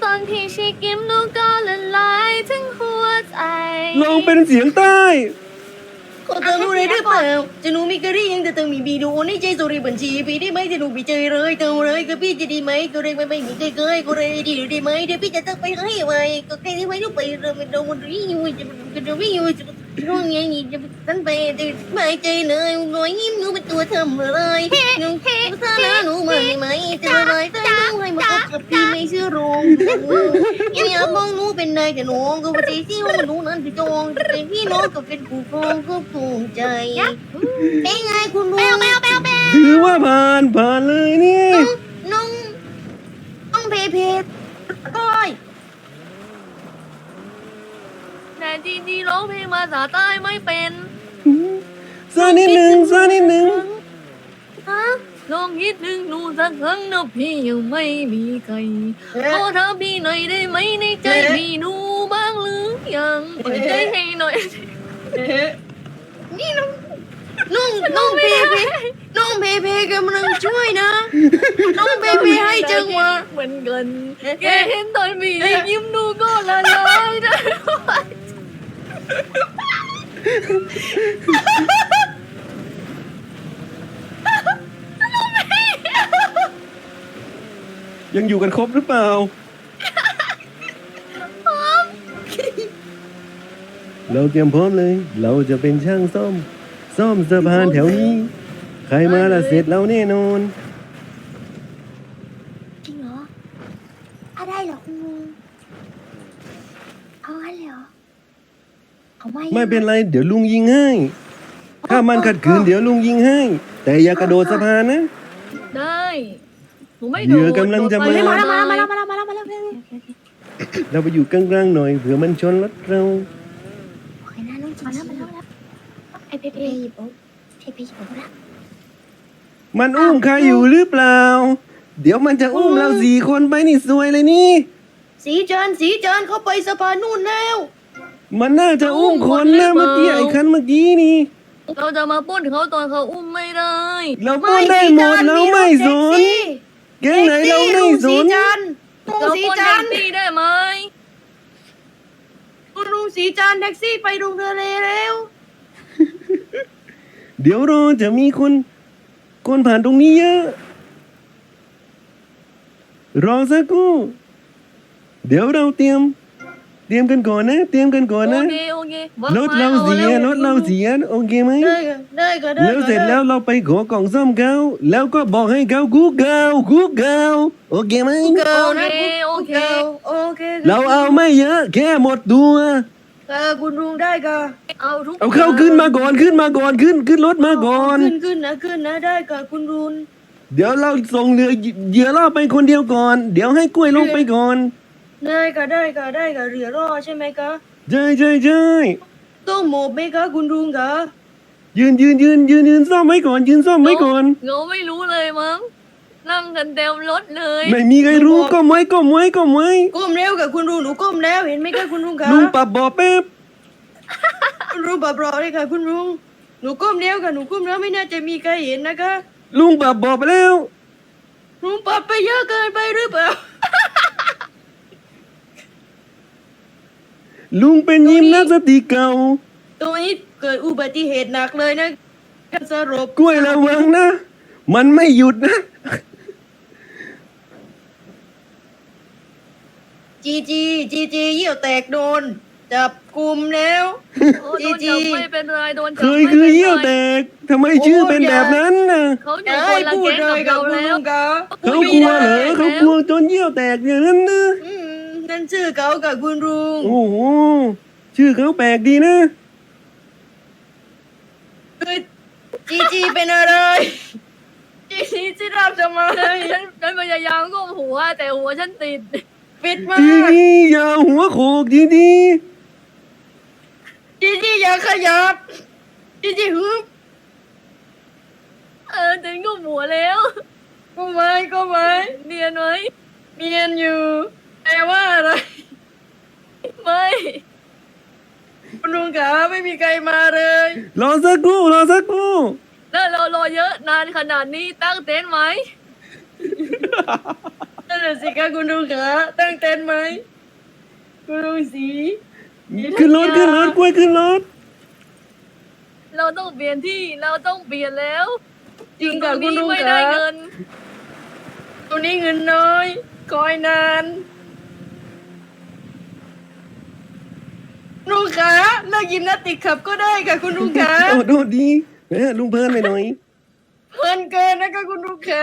อนที่ชีกิมนูก็ละลายทั้งหัวใจลองเป็นเสียงใต้ขอเติมอะไรได้เปล่าจะหนูมีกระดิ่งแต่เติมมีบีดูนี่ใจสุริบัญชีพี่ได้ไหมจะหนูไปเจอเลยเติมเลยก็พี่จะดีไหมก็เลยไม่มีเคยก็เลยดีได้ไหมเดี๋ยวพี่จะต้องไปให้ไวก็แค่ที่ไว้ลูกไปเริ่มโดนมันวิ่งอยู่จะวิ่งอยู่จะร้องไงนี่จะตั้งไปจะไม่ใจเลยรอยยิ้มหนูเป็นตัวทำอะไรหนูซาแล้วหนูมาไหมจะอะไรแต่หนูให้มากับพี่ไม่เชื่อรองอยากมองหนูเป็นนายแต่น้องก็ว่าใจที่ว่าหนูนั้นจะจองเป็นพี่น้องก็เป็นคู่ครองก็ภูมิใจเป็นไงคุณลุงถือว่าผ่านเลยนี่น้องเพเพก้อยแต่จริงๆร้องเพลงภาษาใต้ไม่เป็นซานิดหนึ่งฮะลองคิดถึงหนูสักครั้งนะพี่ยังไม่มีใครขอถามพี่หน่อยได้ไหมในใจพี่หนูบ้างหรือยังเปิดใจให้หน่อยนี่น้องเพเพน้องเพเพกำลังช่วยนะน้องเพเพให้จังหวะเหมือนกันแกเห็นตอนมียิ้มหนูก็ละลายนะยังอยู่กันครบหรือเปล่า เราเตรียมพร้อมเลย เราจะเป็นช่างซ่อมสะพานแถวนี้ ใครมาละเสร็จแล้วแน่นอนจริงเหรออะไรเหรอคุณลุงเอางั้นเลยเหรอเอาไม่ไม่เป็นไร เดี๋ยวลุงยิงให้ ถ้ามันขัดขืนเดี๋ยวลุงยิงให้ แต่อย่ากระโดดสะพานนะได้หนูไม่เหยื่อกำลังจะมามาแล้วมามาแล้วมาแล้วมาแล้วมาแล้วเราไปอยู่กลางๆหน่อยเผื่อมันชนรถเราโอเคนะน้องมาแล้วไอเพเพหยิบปุ๊บเพเพหยิบปุ๊บละมันอุ้มใครอยู่หรือเปล่า เดี๋ยวมันจะอุ้มเรา4 คนไปนี่ซวยเลยนี่สีจันเขาไปสะพานนู่นแล้วมันน่าจะอุ้มคนนะเมื่อกี้ไอ้คันเมื่อกี้นี่เราจะมาปล้นเขาตอนเขาอุ้มไม่ได้เราปล้นได้หมดเราไม่สนแก๊งไหนเราไม่สสีนจันลุงเราสีปล้นจัแท็นกซี่ได้ไหมลุงสีจันแท็กซี่ไปลงทะเลแล้วเดี๋ยวรอจะมีคนผ่านตรงนี้เยอะ รอสักครู่เดี๋ยวเราเตรียมกันก่อนนะ เตรียมกันก่อนโอนะเครถเราเสียโอเคไหมได้ก็ได้แล้วเสร็จแล้วเราไปขอกล่องซ่อมเขาแล้วก็บอกให้เขาคุกเกาโอเคไหมเกิลนะโอเคโอเคเราเอาไม่เยอะแค่หมดตัวคุณลุงได้ก็เอาทุกเอาเข้าขึ้นมาก่อนขึ้นรถมาก่อนขึ้นนะได้ก็คุณลุงเดี๋ยวเราส่งเหยื่อล่อไปคนเดียวก่อน เดี๋ยวให้กล้วยลงไปก่อนได้ก็เรือรอใช่ไหมคะใช่ต้องหมอบไหมคะคุณลุงคะยืนซ่อมไว้ก่อนยืนซ่อมไว้ก่อนเราไม่รู้เลยมั้งนั่งกันเต็มรถเลยไม่มีใครรู้ก้มไว้ก้มแล้วกับคุณลุงหนูก้มแล้วเห็นไหมคะคุณลุงคะลุงปรับบ่อแป๊บคุณลุงแบบรอเลยค่ะคุณลุงหนูก้มแล้วค่ะหนูก้มแล้วไม่น่าจะมีใครเห็นนะคะลุงปรับบ่อไปแล้วลุงปรับไปเยอะเกินไปหรือเปล่าลุงเป็นยิมนาสติกเก่าตรงนี้เกิดอุบัติเหตุหนักเลยนะสรุปกล้วยระวังนะ มันไม่หยุดนะจีเยี่ยวแตกโดนจับกลุ่มแล้วโอ้โดนจับไม่เป็นไรโดนจับเคยไม่คือป็นไรเยี่ยวแตกทำไมชื่อเป็นแบบนั้นน่ะเขาออย่ายู่คให้นละพูดแก๊งเลกับยกับเราคุณแล้ลุวงคะเขากลัวเหรอเขากลัวจนเยี่ยวแตกอย่างนั้นนะนั่นชื่อเขากับคุณลุงโอ้โหชื่อเขาแปลกดีนะจีเป็นอะไรจีรับทำไมฉันพยายามก้มหัวแต่หัวฉันติดปิดมาจีอย่าหัวโขกจีจีอย่าขยับจีฮึบฉันก้มหัวแล้วก็ไม่เนียนไหมเมียนอยู่แต่ว่าอะไรไม่คุณลุงขาไม่มีใครมาเลยรอสักครู่แล้วเรารอเยอะนานขนาดนี้ตั้งเต็นท์ไหมนั่นแหละน่ะสิคะคุณลุงคะตั้งเต็นท์ไหมคุณลุงสีขึ้นรถกล้วยขึ้นรถเราต้องเปลี่ยนที่เราต้องเปลี่ยนแล้วจริงกับคุณลุงไม่คะได้เงินตัวนี้เงินน้อยคอยนานลุงคะเลิกยิมนาสติกขับก็ได้ค่ะคุณลุงคะโดดดีแหมลุงเพลินไปหน่อยเพลินเกินนะคะคุณลุงคะ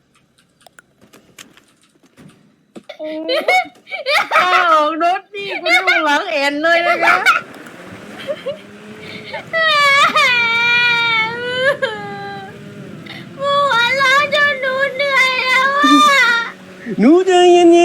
โอ้ถ้าออกรถนี่คุณลุงหลังแอนเลยนะคะหมูหัวเราะจนหนูเหนื่อยแล้วอะหนูใจเย็น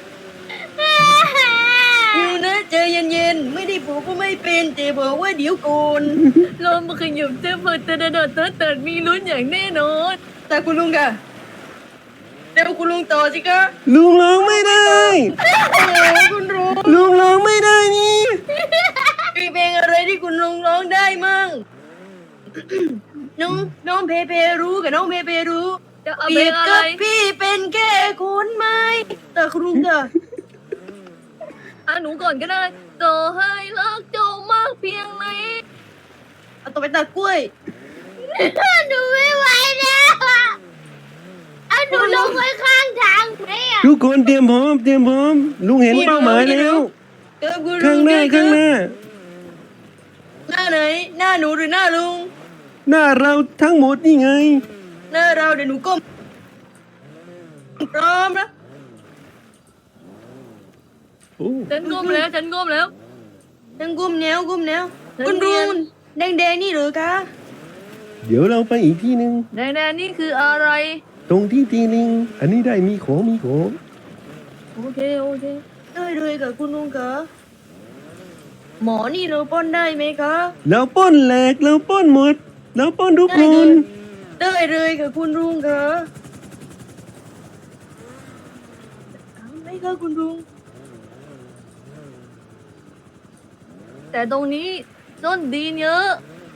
อยู่นะใจเย็นๆไม่ได้บอกว่าไม่เป็นแต่บอกว่าเดี๋ยวโกนลมมันขยุบเตื้อเปิดเตือนเติร์ดมีลุ้นอย่างแน่นอนแต่คุณลุงค่ะเดี๋ยวคุณลุงต่อสิคะๆลุงร้องไม่ได้โอ้คุณลุงลุงร้องไม่ได้นี่มีเพลงอะไรที่คุณลุงร้องได้มั่ง น้องเพเพรู้กับน้องเพเพรู้จะเอาเปเพรีลยงบอะไรกับพี่เป็นแค่คนไม้แต่คุณลุงค่ะอ่ะหนูก่อนก็ได้ต่อให้รักเจ้ามากเพียงไหนเอาตัวไปตัดกล้วยหนูไม่ไหวแล้วอะเอาหนูลงไว้ข้างทางไหมอะทุกคนเตรียมพร้อมลุงเห็นเป้าหมายแล้วเกิดคุณลุข้างหน้าเกิดหน้าหน้าไหน หน้าหนูหรือหน้าลุงหน้าเราทั้งหมดนี่ไงหน้าเราเดี๋ยวหนูก้มพร้อมนะโอ้ฉันก้มแล้วนั่งก้มแนวฉันคุณเรีลุยงนแดงๆนี่เหรือคะเดี๋ยวเราไปอีกที่หนึ่งแดงๆนี่คืออะไรตรงที่ตีลิง อันนี้ได้มีของโอเคได้เลยค่ะคุณลุงคะหมอนี่เราป้อนได้ไหมคะเราป้อนแหลกเราป้อนหมดเราป้อนทุกคนได้เลยค่ะคุณลุงคะทำไหมคะคุณลุงแต่ตรงนี้ต้นดีนเยอะ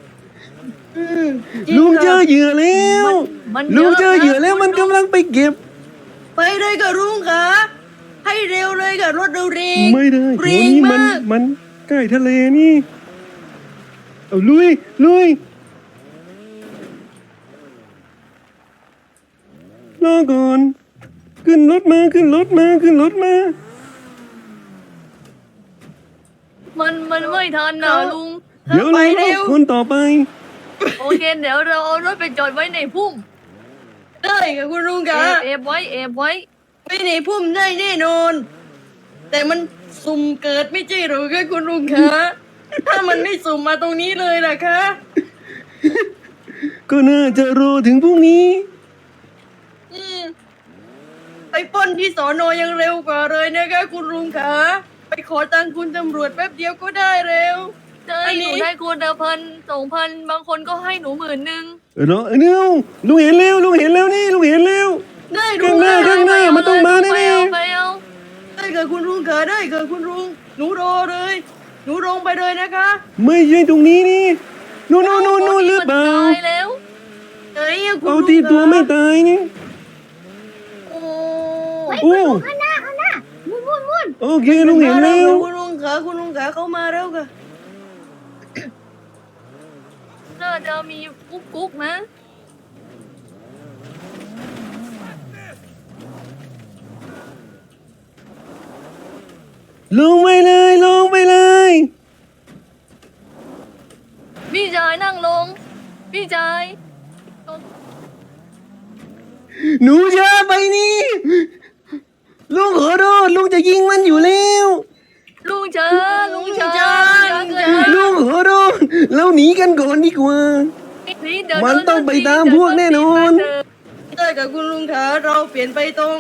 จริงลุงเจค่ะอเหยื่อแล้วมันลุงเจอเหยื่อนะแล้วมันกำลังไปเก็บไปเลยค่ะลุงคะให้เร็วเลยค่ะรถเราเร็งไม่ได้เร็เดี๋ยวงนี้มากมันใกล้ทะเลนี่ เอาลุยรอก่อน ขึ้นรถมามันไม่ทันนะลุงเดี๋ยวไปเราเร็วคนต่อไปโอเคเดี๋ยวเราเอารถไปจอดไว้ในพุ่มได้ค่ะคุณลุงคะเอบไว้ไม่ในพุ่มได้แน่นอน แต่มันสุ่มเกิดไม่ใช่หรือคะคุณลุงคะถ้ามันไม่สุ่มมาตรงนี้เลยล่ะคะก็น่าจะรอถึงพรุ่งนี้อืมไปปล้นที่สอนอยังเร็วกว่าเลยนะคะคุณลุงคะไปขอตังค์คุณตำรวจแป๊บเดียวก็ได้เร็วใช่อันหนี้นูได้คนละ1,000 2,000บางคนก็ให้หนู10,000 รอเดี๋ยวลุงเห็นแล้วนี่ลุงเห็นแล้วได้ลุข้างงหน้าได้ข้างหน้ามันต้องมาแน่ไปเอาได้ค่ะคุณลุงคะได้ค่ะคุณลุงหนูรอเลย หนูลงไปเลยนะคะๆไม่ใช่ตรงนี้นี่นู่นหรือเปล่าตายแล้วไหนอะคุณเอาลุงที่ตัวคะไม่ตายนี่โอ้โอ้ข้างหน้ามุ่นโอเคลุงเห็นแล้วคุณลุงคะเขามาแล้วค่ะน่าจะมีกุ๊กนะลงไปเลยพี่ชายนั่งลง พี่ชายหนูอย่าไปนี่ลุงขอโทษลุงจะยิงมันอยู่แล้วลุงช้าลุลุงงช้าช้าลุงขอโทษเราหนีกันก่อนดีกว่า มันต้องไปตามพวกแน่นอนได้กับคุณลุงคะเราเปลี่ยนไปตรง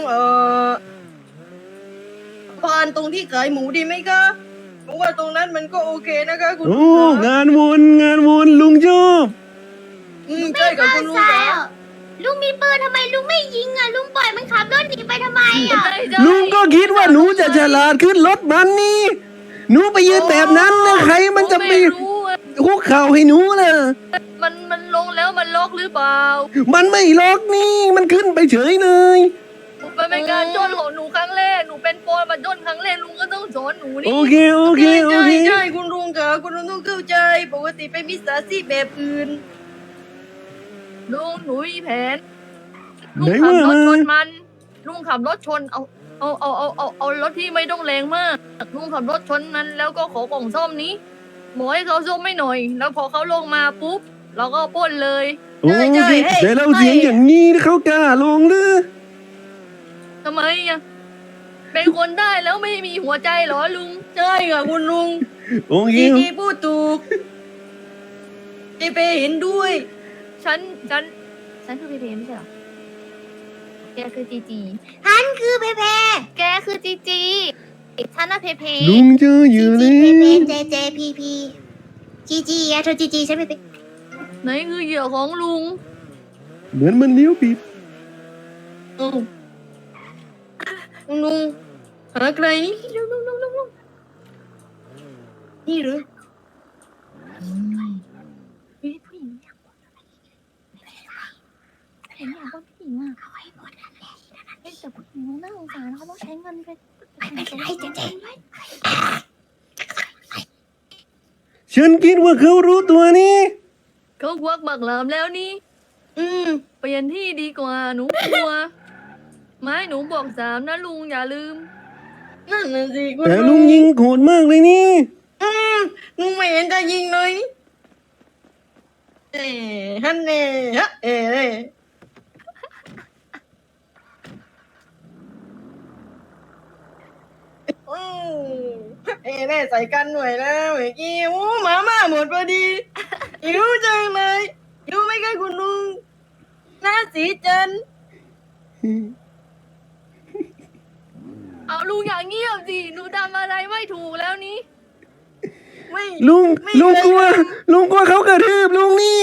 พานตรงที่ขายหมูดีไหมคะเพราะว่าตรงนั้นมันก็โอเคนะคะคุณลุโอ้งคะงานวนลุงชอบใช่กับคุณลุงใช่คะอะลุงมีปืนทำไมลุงไม่ยิงอะลุงปล่อยมันขับรถหนีไปทำไมอะลุงก็คิดว่าหนูจะฉลาดขึ้นรถมันนี่หนูไปยืนแบบนั้นนะใครมันจะไปไม่รู้อะคุกเข่าให้หนูล่ะมันลงแล้วมันล็อกหรือเปล่ามันไม่ล็อกนี่มันขึ้นไปเฉยเลยมันไม่การจนของหนูครั้งแรกหนูเป็นโปรมาจนครั้งแรกลุงก็ต้องสอนหนูโอนี่เคโอเคโอเคใช่คุณลุงค่ะคุณลุงต้องเข้าใจปกติเป็นมิจฉาชีพแบบอื่นลุงหนูมีแผนไหนลุงขับว่ารถชมานมันลุงขับรถชนเอารถที่ไม่ต้องแรงมากลุงขับรถชนมันแล้วก็ขอกล่องซ่อมนี้บอกให้เขาซ่อมไม่หน่อย แล้วพอเขาลงมาปุ๊บเราก็ปล้นเลยโอเคแต่เราเสียงอย่างนี้เขากล้าลงหรือทำไมอ่ะเป็นคนได้แล้วไม่มีหัวใจเหรอลุงใช่ค่ะคุณลุงโอเคจีพูดถูกจีเปเห็นด้วยฉันคือเพเพไม่ใช่เหรอแกคือจีจีฮันคือเพเพแกคือจีจีฉันน่ะเพเพลุงเจออจียู่จีแล้เพเพวเจเจพีพีจีจีอะเธอจีจีใช่ไหมเพไหนคือเหยื่อของลุงเหมือนมันเลี้ยวผิดอ้าวคุณลุงหาใครนี่ลุงนี่หรือเฮ้ยผู้หญิงอยากบอกอะไรเห็นอยากบอกผู้หญิงอ่ะเอาไว้หมดนั่นแหละเฮ้ยแต่ผู้หญิงน่าสงสารเขาต้องใช้เงินไปให้เจเจฉันคิดว่าเขารู้ตัวนี่เขาควักบักหลามแล้วนี่อืมเปลี่ยนที่ดีกว่าหนูกลัวไม้หนูบอก3นะลุงอย่าลืมนั่นน่ะสิคุณแต่ลุงยิงโหดมากเลยนี่ลุงไม่เห็นจะยิงเลยฮันเน่ฮะแม่ใส่กันหน่อยแล้วเมื่อกี้โอ้หมาหมดพอดีหิวจังเลยหิวไหมคะคุณลุงหน้าสีจันเอาลุงอย่างเงียบสิหนูทำอะไรไม่ถูกแล้วนี่ไม่ลุงไม่ลุงกลัวลุงกลัวเขากระทืบลุงนี่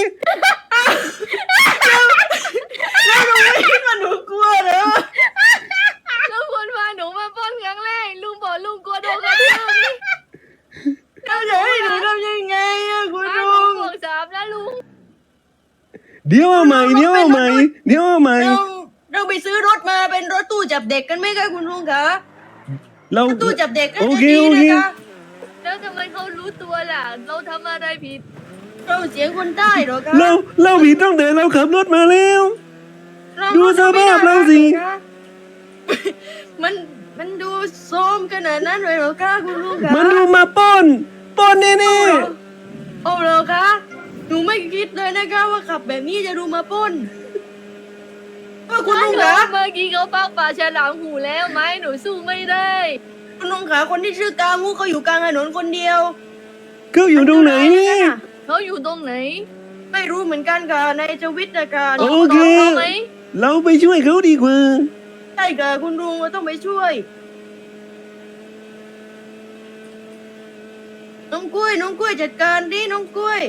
แล้วลุงไม่คิดว่าหนูกลัวเหรอแล้วคนพาหนูมาปล้นครั้งแรกลุงบอกลุงกลัวโดนกระทืบนี่แล้วจะให้หนูทำยังไงอะคุณไม้หลุนูงบอก3นะลุงเดี๋ยวเอาใหม่เดี๋ยวเอาใหม่เดี๋ยวเอาใหม่เราไปซื้อรถมาเป็นรถตู้จับเด็กกันไหมคะคุณลุงคะเราตู้จับเด็กก็โอจะเคดีโอนะเคคะแล้วทำไมเขารู้ตัวล่ะ เราทำอะไรผิดเราเสียงคนใต้เหรอคะเราผิดตั้งแต่เราขับรถมาแล้วเราดูสภาพเราสิมันดูโทรมขนาดนั้นเลยเหรอคะคุณลุงคะมันดูมาปล้นแน่เอาเหรอคะหนูไม่คิดเลยนะคะว่าขับแบบนี้จะดูมาปล้นคุณลุงคะเมื่อกี้เขาปักป่าฉลามหูแล้วไม้หนูสู้ไม่ได้คุณลุงคะคนที่ชื่อกามูเขาอยู่กลางถนนคนเดียวๆเขาอยู่ตรงไหนนี่เขาอยู่ตรงไหนไม่รู้เหมือนกันค่ะในทวิตนะคะโอเคตบเขาไหมเราไปช่วยเขาดีกว่าใช่ค่ะคุณลุงเราต้องไปช่วย น้องกล้วยจัดการดิน้องกล้วย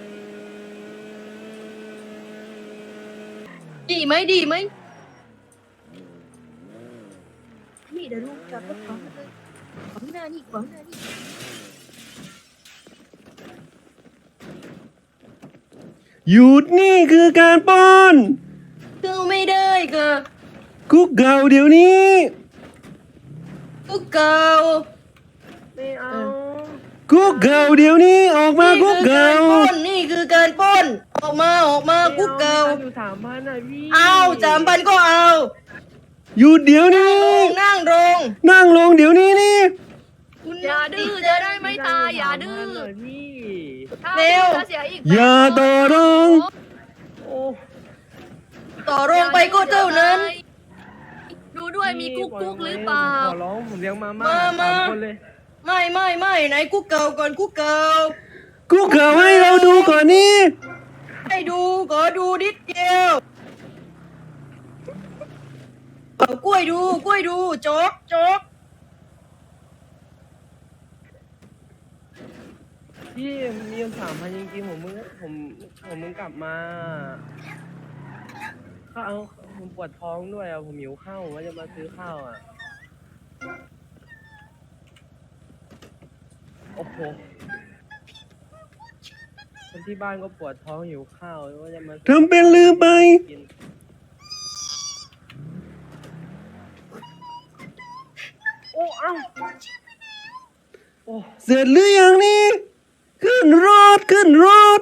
ดีไหมนี่เดี๋ยวลุงจับรถของเลยของหน้านี่หยุดนี่คือการปล้นก็ไม่ได้ค่ะคุกเก่าเดี๋ยวนี้กุ๊กเก่าไม่เอาคุกเก่าเดี๋ยวนี้ออกมาคุกเก่านี่คือการปล้นออกมากุ๊กเก่าอยู่3,000อ่ะพี่เอา3,000ก็เอาหยุดเดี๋ยวนี้นั่งลงนั่งลงเดี๋ยวนี้นี่คุณอย่าดื้อจะได้ไม่ตายอย่าดื้อ 3,000ะพี่ถ้าดื้อจะเสียอีกอย่าต่อรองโอ้ต่อรองไปก็เท่านั้นดูด้วยมีกุ๊กกุ๊กหรือเปล่าขอร้องผมเลี้ยงมามา 3 คนเลยไม่ไหนกุ๊กเก่าก่อนกุ๊กเก่าคุกเก่าให้เราดูก่อนนี่ให้ดูขอดูนิดเดียวเอากล้วยดูโจ๊กพี่มีเงิน3,000จริงๆผมมึงกลับมาข้าวผมปวดท้องด้วยอ่ะผมหิวข้าวผมว่าจะมาซื้อข้าวอ่ะโอ้โหคนที่บ้านก็ปวดท้องหิวข้าวว่าจะมาซื้อทำเป็นลืมไปกินเสร็จหรือยังนี่ขึ้นรถขึ้นรถ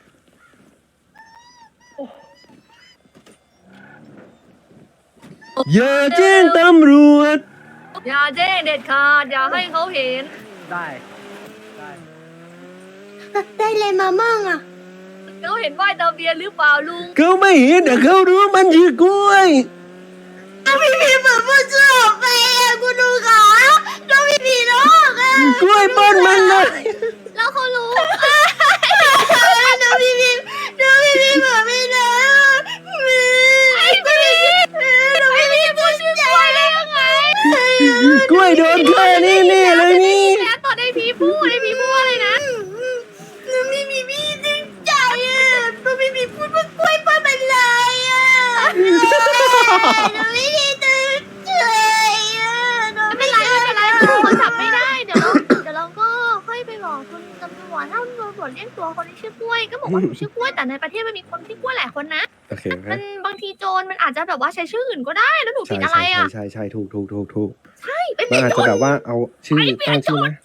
อย่าแจ้งตำรวจอย่าแจ้งเด็ดขาดอย่าให้เขาเห็นได้ได้ได้เลยมามั่งอ่ะเขาเห็นป้ายทะเบียนหรือเปล่าลุงเขาไม่เห็นแต่เขารู้มันคือกล้วยพี่เหมือนผู้ชอบไปอ่ะคุณลุงขาน้องพี่น้องอ่ะกล้วยป้นมันเลยแล้วเขารู้น้องพี่เหมือนไม่ได้ไอ้พี่น้องพี่พูดชื่อกล้วยได้ยังไงกล้วยโดนแค่นี้นี่เลยนี่แล้วตอนไอพีพูดอะไรนะน้องพี่ซึ้งใจอ่ะน้องพี่พูดว่ากล้วยป้ามันลายอ่ะน้องพี่ตื่นใจอ่ะไม่เป็นไรเขาจับไม่ได้เดี๋ยวเราก็ค่อยไปบอกคุณตำรวจถ้าตำรวจเรียกตัวคนที่ชื่อกล้วยก็บอกว่าหนูชื่อกล้วยแต่ในประเทศมันมีคนที่กล้วยหลายคนนะโอเคคมัรับนบางทีโจรมันอาจจะแบบว่าใช้ชื่ออื่นก็ได้แล้วหนูผิใช่ดอะไรอ่ะใช่ถูกใช่ไปมันผิดอาจโจจะรแบบว่าเอาชื่อตั้งชื่อนะ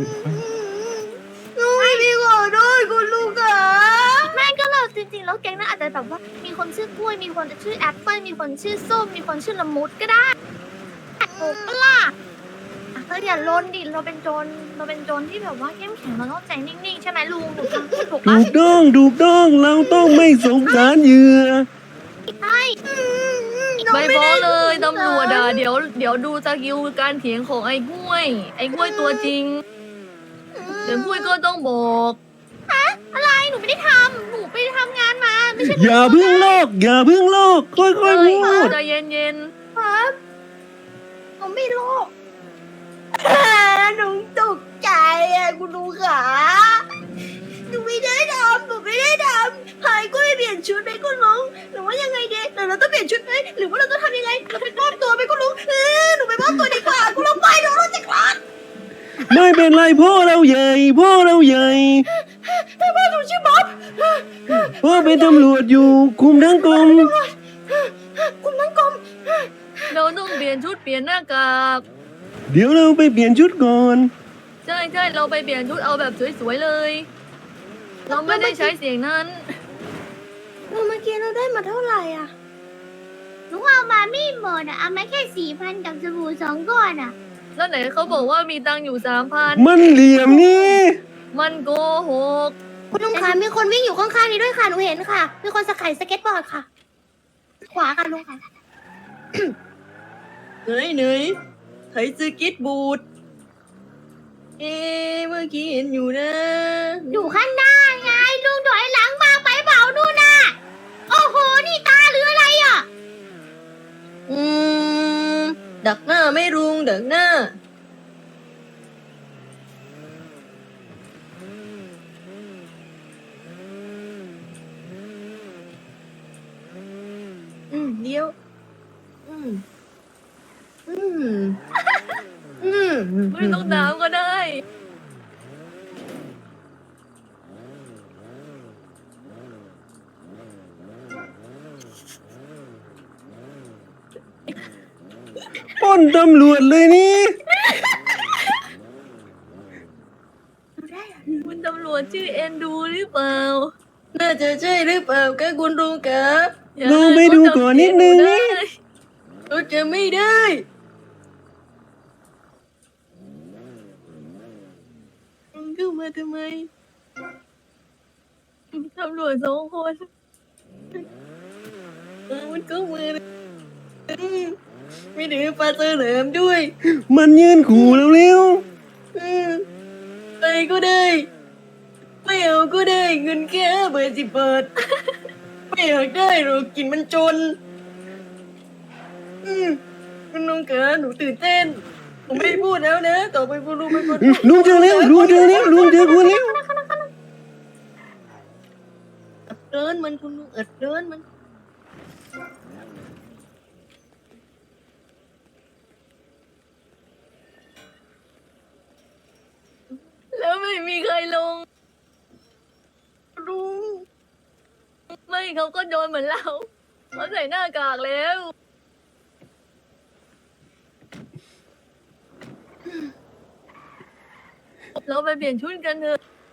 น้องพี่ขอโทษคุณลุงค่ะแม่ก็เราจริงๆแล้วแก๊งนั้นอาจจะแบบว่ามีคนชื่อกล้วยมีคนชื่อแอปเปิ้ลมีคนชื่อส้มมีคนชื่อละมุดก็ได้ถูกปะล่ะเธออย่าลนดิเราเป็นโจรที่แบบว่าเข้มแข็งเราต้องใจนิ่งๆใช่ไหมลุงหนูทำพูดถูกถูปะกต้องเราต้องไม่สงสารเหยื่อใช่ไม่บอกเลยตำรวจอ่ะเดี๋ยวดูสกิลการเถียงของไอ้กล้วยตัวจริงเดี๋ยวกล้วยก็ต้องบอกอะไรหนูไม่ได้ทำหนูไปทำงานมาไม่ใช่อย่าเพิ่งโลกค่อยๆพูดใจเย็นครับผมไม่รู้หนูตกใจอ่ะคุณลุงขาหนูไม่ได้ทำหายก็ไม่เปลี่ยนชุดไปคุณลุงหรือว่ายังไงเด็กเราต้องเปลี่ยนชุดไหมหรือว่าเราต้องทำยังไงเราไปมอบตัวไปคุณลุงหนูไปมอบตัวดีกว่าคุณลุงไปเดี๋ยวเราจะคลอดไม่เป็นไรพ่อเราใหญ่พ่อหนูชื่อบ๊อบพ่อเป็นตำรวจอยู่คุมทั้งกรมคุณนั่งกลมๆเราต้องเปลี่ยนชุดเปลี่ยนหน้ากากเดี๋ยวเราไปเปลี่ยนชุดก่อนใช่เราไปเปลี่ยนชุดเอาแบบสวยๆเลย เราไม่ได้ใช้เสียงนั้นเราเมื่อกี้เราได้มาเท่าไหร่อ่ะหนูเอามาไม่หมดอ่ะ เอามาแค่4,000กับสบู่2 ก้อนอ่ะแล้วไหนเขาบอกว่ามีตังค์อยู่3,000 มันเหลี่ยมนี่มันโกหกคุณลุงคะมีคนวิ่งอยู่ข้างๆนี้ด้วยค่ะหนูเห็นค่ะ มีคนสไขสเก็ตบอร์ดค่ะ ขวาค่ะลุงค่ะไหนไถสเก็ตบูดเมื่อกี้เห็นอยู่นะอยู่ข้างหน้าไงลุงถอยหลังมาไปเผานู่นน่ะ โอ้โห นี่ตาหรืออะไรอ่ะอืมดักหน้าไม่รุงดักหน้าเดี๋ยวไม่ต้องถามก็ได้ปล้นตำรวจเลยนี่คุณตำรวจชื่อเอ็นดูหรือเปล่าน่าจะใช่หรือเปล่าคะคุณลุงคะอย่าลองไปดูก่อนนิดนึงนี่เราจะไม่ได้มึงเข้ามาทำไมตำรวจ2 คนมันเข้ามาไม่ถือปลาเตอร์เหลิมด้วยมันยืนขู่เราเร็วไปก็ได้ ไม่เอาก็ได้เงินแค่50 บาทไม่อยากได้หรอกกินมันจนคุณลุงคะหนูตื่นเต้นผมไม่พูดแล้วนะต่อไปคุณลุงเป็นคนลุงเจอแล้วลุงเจอคุณแล้วอัดเดินมันคุณลุงอัดเดินมันแล้วไม่มีใครลงลุงไม่เขาก็โดนเหมือนเราเขาใส่หน้ากากแล้วเราไปเปลี่ยนชุดกันเถอะ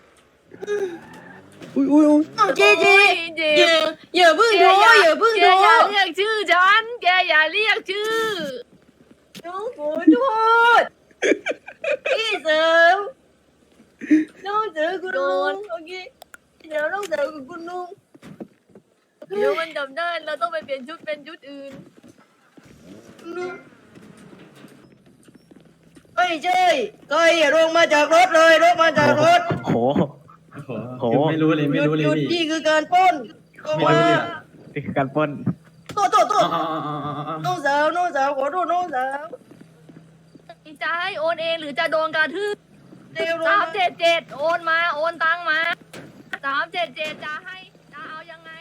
อุ้ยอุ้ยอุ้ยเจเจโอ้ยเจ็อย่าบเพิ่งโทรอย่าเพิ่งแกโทรอย่าเรียกชื่อฉันแกอย่าเรียกชื่อน้องขอโทษพี่เสริมน้องเจอคุณลุงโอเคเดี๋ยวน้องเจอกับคุณลุงเดี๋ยวมันจำได้เราต้องไปเปลี่ยนชุดเป็นชุดอื่นลุงเฮ้ยเจ้ยเฮ้ยอย่าลงมาจากรถเลยลงมาจากรถโห โหไม่รู้เลยไม่รู้เลยหยุดพี่นี่คือการปล้นลงไม่มารู้เลยนี่คือการปล้นโทษ น้องสาวขอโทษน้องสาวจะให้โอนเองหรือจะโดนกระทืบเร็วลงสามมาเจ็ดเจ็ดโอนมาโอนตังมา377จะให้จะเอายังไง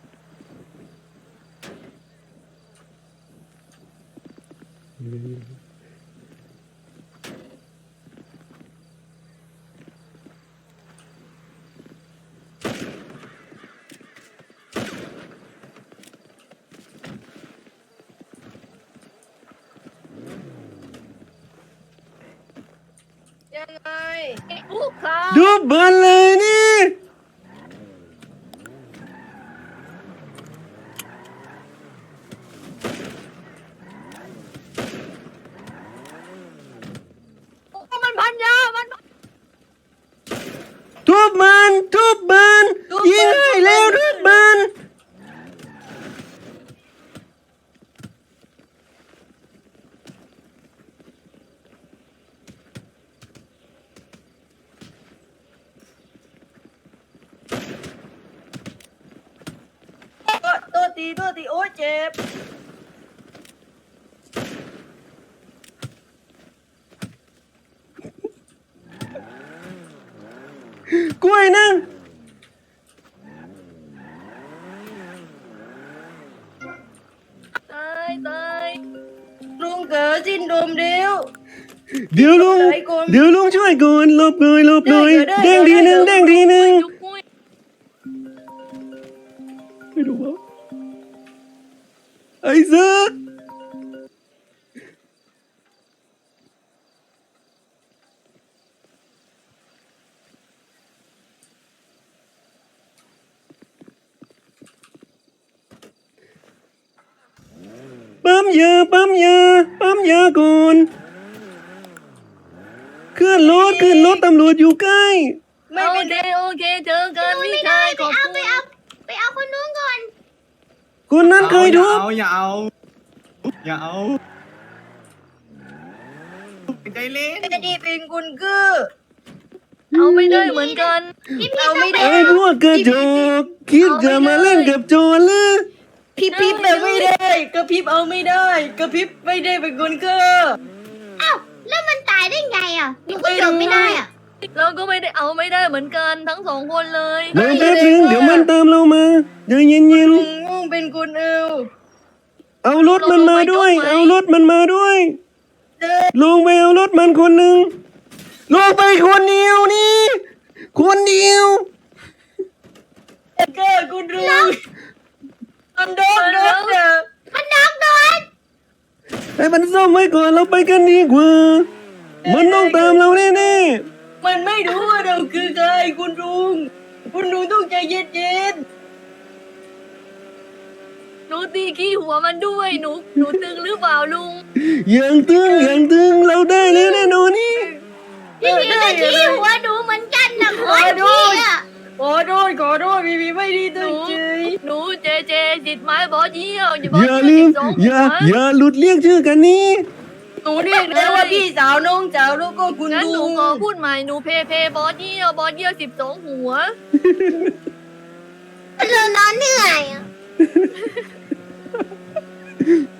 ยังไงลูกค้าดูเบิร์นเลยนี่มันพันยามันทุบมันยิงให้แล้วทุบมันตัวตีโอ้ยเจ็บกล้วยนั่งตายตายลุงเก๋สิ้นดมเดียวเดี๋ยวลุงช่วยก่อนหลบหน่อยเด้งทีหนึ่งจุกมุ้ยไม่รู้ว่าไอ้เสือปั๊มยาก่อนขึ้นรถตำรวจอยู่ใกล้ไม่โอเป็นเคโอเคเจอกันพี่ชายขอบคุณไปเอาคนนู้นก่อนคนนั้นเคยทุบอย่าเอาใจเล่นไม่ได้เป็นคุณคือเอาไม่ได้เหมือนกันเอาไม่ได้ไอ้พวกกระจอกคิดจะมาเล่นกับโจรหรือพี่แบบไม่ได้กระพริบเอาไม่ได้กระพริบไม่ได้เป็นคุณคืออ้าวแล้วมันตายได้ไงอ่ะหนูก็จบไม่ได้อ่ะเราก็ไม่ได้เอาไม่ได้เหมือนกันทั้งสองคนเลยรอแป๊บนึงเดี๋ยวมันตามเรามาใจเย็นลุงเป็นคุณเอวๆเอารถมันมาด้วยเดินลงไปเอารถมันคนหนึ่งลงไปคนเดียวนี่คนเดียวก็คุณลุงมันโดนเด้อมันน็อกโดนไอ้มันซ่อมไว้ก่อนเราไปกันดีกว่า มันต้องตามเราแน่มันไม่รู้ว่าเราคือใครคุณลุงต้องใจเย็นหนูตีขี้หัวมันด้วยหนูตึงหรือเปล่าลุงๆอย่างตึงเราได้แล้วแน่นอนนี่พี่พีก็ขี้หัวหนูเหมือนกันนะโคตรพี่อ่ะขอโทษพี่ไม่ได้ตั้งใจหนูเจจิตไม้บอเยี่ยวอย่าลืมอย่าหลุดเรียกชื่อกันนี่หนูเรียกแล้วว่าพี่สาวน้องสาวแล้วก็คุณงั้นหนูลุงขอพูดใหม่หนูเพบอเยี่ยว12 หัวเรานอนเหนื่อยอ่ะ